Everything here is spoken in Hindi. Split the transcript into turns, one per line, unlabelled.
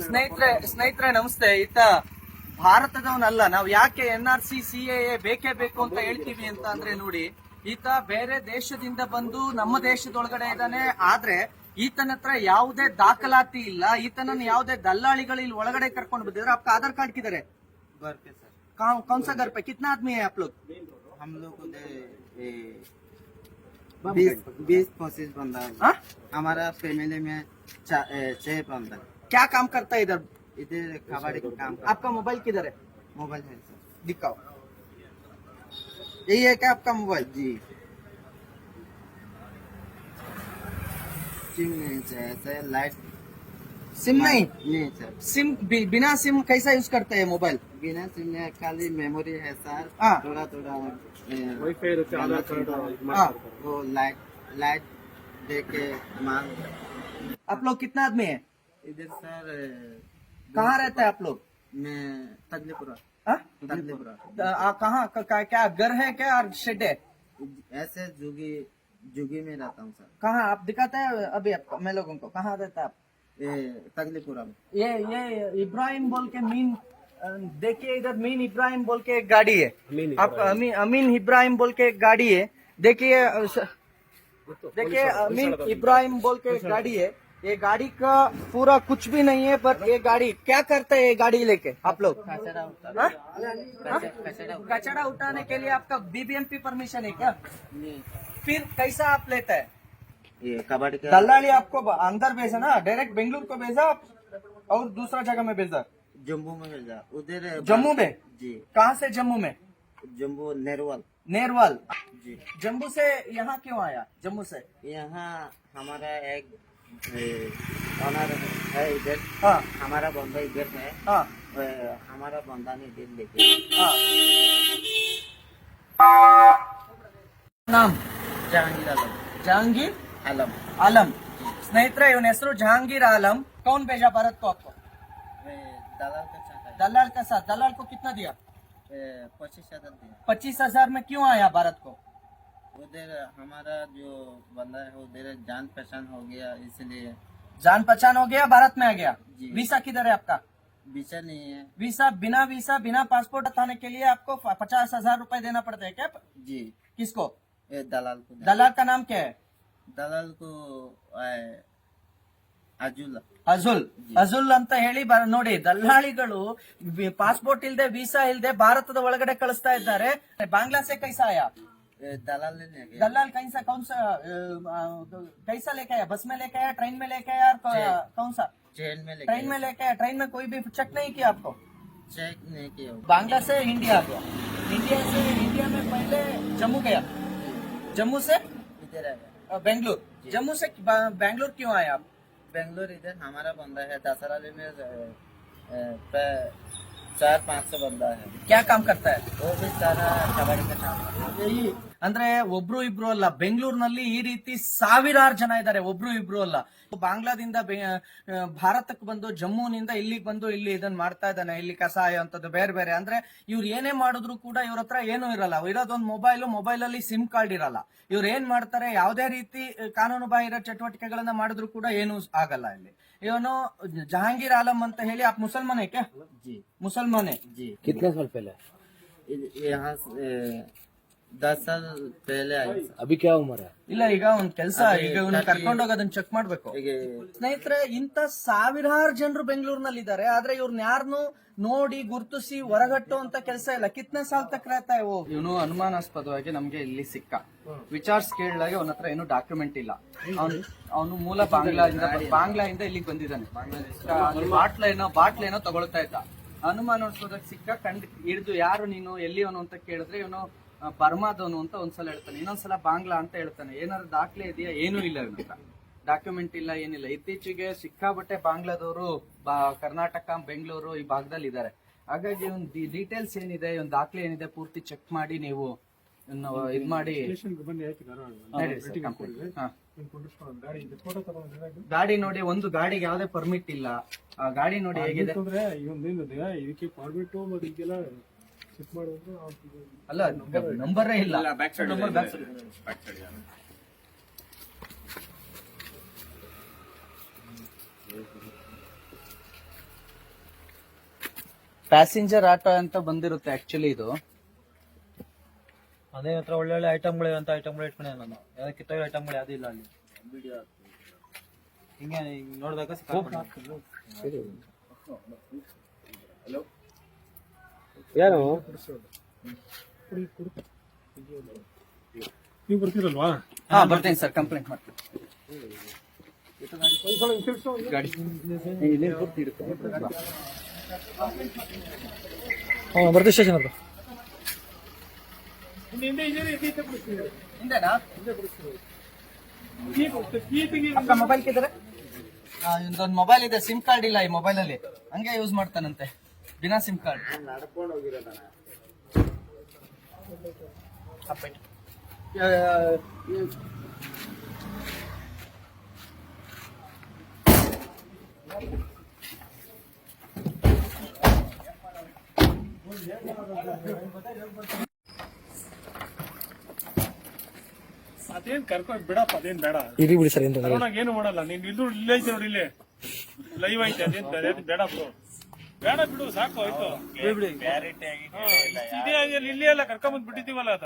ಸ್ನೇಹಿತರೆ ನಮಸ್ತೆ. ಈತ ಭಾರತದವನಲ್ಲ. ನಾವು ಯಾಕೆ NRC CAA ಬೇಕೇ ಬೇಕು ಅಂತ ಹೇಳ್ತೀವಿ ಅಂತ ಅಂದ್ರೆ ನೋಡಿ, ಈತ ಬೇರೆ ದೇಶದಿಂದ ಬಂದು ನಮ್ಮ ದೇಶದೊಳಗಡೆ ಇದ್ದಾನೆ. ಆದ್ರೆ ಈತನ ಹತ್ರ ಯಾವುದೇ ದಾಖಲಾತಿ ಇಲ್ಲ. ಈತನನ್ನು ಯಾವುದೇ ದಲ್ಲಾಳಿಗಳು ಇಲ್ಲಿ ಒಳಗಡೆ ಕರ್ಕೊಂಡು ಬಂದಿದ್ರೆ आपका आधार कार्ड किधर है?
घर पे सर।
कौन सा घर पे? कितना आदमी है आप लोग?
हम लोग 20-25 बंदा है।
हाँ?
हमारा फैमिली में 6 बंदा।
क्या काम करता है इधर?
इधर कबाड़ी का काम
आपका मोबाइल किधर है?
मोबाइल है सर।
दिखाओ। यही है क्या आपका मोबाइल?
जी सिम नहीं चाहिए सर। लाइट
सिम नहीं
सर।
सिम बिना सिम कैसा यूज करते हैं मोबाइल?
बिना सिम में खाली मेमोरी है सर।
हाँ।
थोड़ा
वाईफाई आधार कार्ड
हाँ।
वो लाइट दे के मांग।
आप लोग कितना आदमी है?
इधर सर
कहाँ रहते हैं आप लोग?
मैं तगलीपुरा।
हाँ?
तगलीपुरा
कहाँ क्या घर है क्या और शेड है?
ऐसे जुगी में रहता हूँ सर।
कहाँ आप दिखाते हैं अभी आपको मैं लोगों को? कहाँ रहता है आप?
ये तगलीपुरा में।
ये इब्राहिम बोल के मीन देखिए, इधर मीन इब्राहिम बोल के एक गाड़ी है। आप अमीन इब्राहिम बोल के एक गाड़ी है। देखिए अमीन इब्राहिम बोल के एक गाड़ी है। ये गाड़ी का पूरा कुछ भी नहीं है, पर ये गाड़ी क्या करते हैं? ये गाड़ी लेके आप लोग कचरा उठाने के लिए आपका BBMP परमिशन है क्या? फिर कैसा आप लेते हैं?
ये कबाड़ी का
दल्लाली आपको अंदर भेजा ना, डायरेक्ट बेंगलुरु को भेजा और दूसरा जगह में भेजा?
जम्मू में भेजा। उधर
जम्मू में?
जी।
कहाँ से जम्मू में?
जम्मू
नेरवाल।
जी।
जम्मू से यहाँ क्यों आया? जम्मू से
यहाँ हमारा एक ऑनर है इधर।
हाँ
हमारा बंदा इधर है।
हाँ
हमारा बंदा ने इधर लेके।
हाँ। नाम
जहांगीर आलम।
जहांगीर
आलम।
आलम। स्नेहितरे ಇವನ ಹೆಸರು जहांगीर आलम। कौन भेजा भारत को आपको?
दलाल का चाहता है।
दलाल के साथ। दलाल को कितना दिया?
25,000 दिया।
25,000 में क्यों आया भारत को?
उधर हमारा जो बंदा है उधर जान पहचान हो गया, इसलिए
जान पहचान हो गया, भारत में आ गया।
जी।
वीसा किधर है आपका?
वीसा नहीं है।
वीसा बिना पासपोर्ट हटाने के लिए आपको 50,000 रुपए देना पड़ता है क्या?
जी।
किसको?
दलाल को।
दलाल का नाम क्या है?
दलाल को
ಅಜುಲ್ ಅಂತ ಹೇಳಿ ನೋಡಿ, ದಲ್ಲಾಳಿಗಳು ಪಾಸ್ಪೋರ್ಟ್ ಇಲ್ದೆ ವೀಸಾ ಇಲ್ದೆ ಭಾರತದ ಒಳಗಡೆ ಕಳಿಸ್ತಾ ಇದ್ದಾರೆ. ಬಾಂಗ್ಲಾ से कैसा आया?
दलाल ने गया।
दलाल कौन सा कैसा लेके आया? बस में लेके आया, ट्रेन में लेके आया, कौन सा?
ट्रेन में
ट्रेन में लेके आया। ट्रेन में कोई भी चेक नहीं किया आपको?
चेक नहीं किया।
बांग्ला से इंडिया आ गया। इंडिया में पहले जम्मू गया, जम्मू से
इधर आया
बेंगलुरु। जम्मू से बेंगलुरु क्यों आए आप?
बेंगलोर इधर हमारा बंदा है। दसराली में 400-500 बंदा है।
क्या काम करता है?
वो भी सारा कबाड़ी का काम है।
ಅಂದ್ರೆ ಒಬ್ರು ಇಬ್ರು ಅಲ್ಲ, ಬೆಂಗಳೂರಿನಲ್ಲಿ ಈ ರೀತಿ ಸಾವಿರಾರು ಜನ ಇದ್ದಾರೆ. ಒಬ್ರು ಇಬ್ರು ಅಲ್ಲ. ಬಾಂಗ್ಲಾದಿಂದ ಭಾರತಕ್ಕೆ ಬಂದು ಜಮ್ಮುನಿಂದ ಇಲ್ಲಿಗೆ ಬಂದು ಇಲ್ಲಿ ಇದನ್ನ ಮಾಡ್ತಾ ಇದ್ದಾನೆ. ಇಲ್ಲಿ ಕಸಾಯ ಅಂತದ್ದು ಬೇರೆ ಬೇರೆ. ಅಂದ್ರೆ ಇವ್ರು ಏನೇ ಮಾಡಿದ್ರು ಕೂಡ ಇವ್ರ ಹತ್ರ ಏನೂ ಇರಲ್ಲ. ಇರೋದೊಂದು ಮೊಬೈಲ್ ಅಲ್ಲಿ ಸಿಮ್ ಕಾರ್ಡ್ ಇರಲ್ಲ. ಇವ್ರು ಏನ್ ಮಾಡ್ತಾರೆ, ಯಾವುದೇ ರೀತಿ ಕಾನೂನು ಬಾಹಿರ ಚಟುವಟಿಕೆಗಳನ್ನ ಮಾಡಿದ್ರು ಕೂಡ ಏನೂ ಆಗಲ್ಲ. ಇಲ್ಲಿ ಇವನು जहांगीर आलम ಅಂತ ಹೇಳಿ. आप मुसलमान है क्या?
जी
मुसलमान है
जी।
कितने साल पहले?
यहाँ 10 साल पहले आए।
अभी क्या उम्र है?
ಇಲ್ಲ, ಈಗ ಒಂದ್ ಕೆಲಸ, ಈಗ ಇವನ್ನ ಕರ್ಕೊಂಡೋಗಿ ಅದನ್ನ ಚೆಕ್ ಮಾಡ್ಬೇಕು.
ಈಗ
ಸ್ನೇಹಿತರೆ, ಇಂತ ಸಾವಿರಾರು ಜನರು ಬೆಂಗಳೂರಿನಲ್ಲಿ ಇದ್ದಾರೆ. ಆದ್ರೆ ಇವ್ರನ್ನ ಯಾರನ್ನು ನೋಡಿ ಗುರುತಿಸಿ ಹೊರಗಟ್ಟು ಅಂತ ಕೆಲಸ ಇಲ್ಲ. ಕಿತ್ನೆ ಸಾಲ್ ತಕ್ रहता है वो? ಇವನು ಅನುಮಾನಾಸ್ಪದವಾಗಿ ನಮ್ಗೆ ಇಲ್ಲಿ ಸಿಕ್ಕ. ವಿಚಾರ್ಸ್ ಕೇಳಿದಾಗ ಅವನ ಹತ್ರ ಏನು ಡಾಕ್ಯುಮೆಂಟ್ ಇಲ್ಲ. ಅವನು ಮೂಲ ಬಾಂಗ್ಲಾದಿಂದ ಇಲ್ಲಿಗೆ ಬಂದಿದ್ದಾನೆ. ಬಾಟ್ಲೇನೋ ತಗೊಳ್ತಾ ಇದ್ದ. ಅನುಮಾನಾಸ್ಪದವಾಗಿ ಸಿಕ್ಕ. ಹಿಡಿದು ಯಾರು ನೀನು, ಎಲ್ಲಿಯವನು ಅಂತ ಕೇಳಿದ್ರೆ ಇವನು ಬರ್ಮಾದವನು ಅಂತ ಒಂದ್ಸಲ ಹೇಳ್ತಾನೆ, ಇನ್ನೊಂದ್ಸಲ ಬಾಂಗ್ಲಾ ಅಂತ ಹೇಳ್ತಾನೆ. ಏನಾದ್ರು ದಾಖಲೆ ಇದೆಯಾ? ಏನೂ ಇಲ್ಲ ಇವನ ಹತ್ರ. ಡಾಕ್ಯುಮೆಂಟ್ ಇಲ್ಲ, ಏನಿಲ್ಲ. ಇತ್ತೀಚೆಗೆ ಸಿಕ್ಕಾಬಟ್ಟೆ ಬಾಂಗ್ಲಾದವರು ಕರ್ನಾಟಕ, ಬೆಂಗಳೂರು ಈ ಭಾಗದಲ್ಲಿ ಇದ್ದಾರೆ. ಹಾಗಾಗಿ ಒಂದು ಡೀಟೇಲ್ಸ್ ಏನಿದೆ, ಒಂದು ದಾಖಲೆ ಏನಿದೆ ಪೂರ್ತಿ ಚೆಕ್ ಮಾಡಿ ನೀವು ಇದ್ ಮಾಡಿ. ಗಾಡಿ ನೋಡಿ, ಒಂದು ಗಾಡಿಗೆ ಯಾವ್ದೇ ಪರ್ಮಿಟ್ ಇಲ್ಲ. ಗಾಡಿ ನೋಡಿ ಹೇಗಿದೆ. ಅಲ್ಲ, ನಂಬರೇ ಇಲ್ಲ. ಪ್ಯಾಸೆಂಜರ್ ಆಟೋ ಅಂತ ಬಂದಿರುತ್ತೆ ಆಕ್ಚುಲಿ ಇದು.
ಅದೇ ಹತ್ರ ಒಳ್ಳೊಳ್ಳೆ ಐಟಮ್ಗಳು ಅಂತ ಐಟಮ್ಗಳು ಇಟ್ಕೊಂಡೆ ನಾನು. ಯಾವ್ದು ಕಿತ್ತೋಗಿರೋ ಐಟಮ್ಗಳು ಯಾವ್ದು ಇಲ್ಲ ಅಲ್ಲಿ. ಹಿಂಗೆ ನೋಡಿದಾಗ
ಯಾರು
ನೀವು ಬರ್ತೀರಲ್ವಾ?
ಹಾ ಬರ್ತೀನಿ ಸರ್, ಕಂಪ್ಲೇಂಟ್ ಮಾಡ್ತೀನಿ. ಗಾಡಿ
ಬರ್ತೀವಿ ಸ್ಟೇಷನ್ ಹತ್ರ.
ಹಿಂದೆನಾ? ಅಕ್ಕ ಮೊಬೈಲ್ ಕಿದ್ರೆ ಇದೊಂದು ಮೊಬೈಲ್ ಇದೆ, ಸಿಮ್ ಕಾರ್ಡ್ ಇಲ್ಲ ಈ ಮೊಬೈಲ್ ಅಲ್ಲಿ, ಹಂಗೆ ಯೂಸ್ ಮಾಡ್ತಾನಂತೆ ಬಿನಾ ಸಿಮ್ ಕಾರ್ಡ್.
ಅದೇನ್ ಕರ್ಕೊಂಡ್ ಬಿಡಪ್ಪ, ಅದೇನ್ ಬೇಡ.
ಇರಿ ಬಿಡಿ ಸರ್.
ಏನು ಮಾಡಲ್ಲ. ನೀನ್ ಇದು ಇಲ್ಲೇ ಐತೆ ನೋಡಿ, ಇಲ್ಲೇ ಲೈವ್ ಐತೆ. ಅದೇನ್ ಬೇಡ ಬ್ರೋ, ಬೇಡ ಬಿಡು, ಸಾಕು ಆಯ್ತು. ಇಲ್ಲೇ ಎಲ್ಲ ಕರ್ಕೊಂಡ್ ಬಂದ್ ಬಿಟ್ಟಿದೀವಲ್ಲ.